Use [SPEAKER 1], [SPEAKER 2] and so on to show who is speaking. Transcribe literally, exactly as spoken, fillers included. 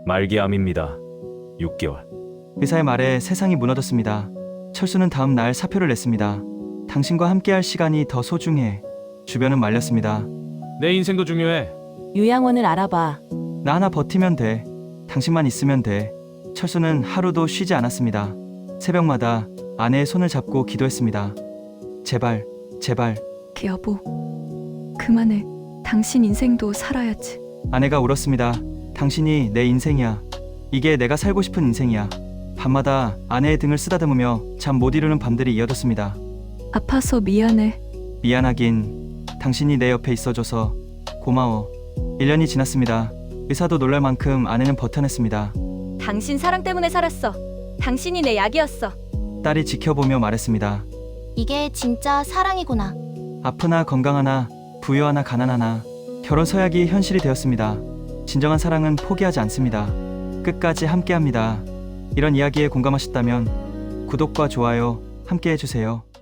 [SPEAKER 1] 말기암입니다. 육 개월.
[SPEAKER 2] 의사의 말에 세상이 무너졌습니다. 철수는 다음 날 사표를 냈습니다. 당신과 함께할 시간이 더 소중해. 주변은 말렸습니다.
[SPEAKER 1] 내 인생도 중요해.
[SPEAKER 3] 요양원을 알아봐.
[SPEAKER 2] 나 하나 버티면 돼. 당신만 있으면 돼. 철수는 하루도 쉬지 않았습니다. 새벽마다 아내의 손을 잡고 기도했습니다. 제발, 제발.
[SPEAKER 4] 여보, 그만해. 당신 인생도 살아야지.
[SPEAKER 2] 아내가 울었습니다. 당신이 내 인생이야. 이게 내가 살고 싶은 인생이야. 밤마다 아내의 등을 쓰다듬으며 잠 못 이루는 밤들이 이어졌습니다.
[SPEAKER 4] 아파서 미안해.
[SPEAKER 2] 미안하긴. 당신이 내 옆에 있어줘서 고마워. 일 년이 지났습니다. 의사도 놀랄 만큼 아내는 버텨냈습니다.
[SPEAKER 5] 당신 사랑 때문에 살았어. 당신이 내 약이었어.
[SPEAKER 2] 딸이 지켜보며 말했습니다.
[SPEAKER 6] 이게 진짜 사랑이구나.
[SPEAKER 2] 아프나 건강하나 부유하나 가난하나 결혼 서약이 현실이 되었습니다. 진정한 사랑은 포기하지 않습니다. 끝까지 함께합니다. 이런 이야기에 공감하셨다면 구독과 좋아요 함께 해주세요.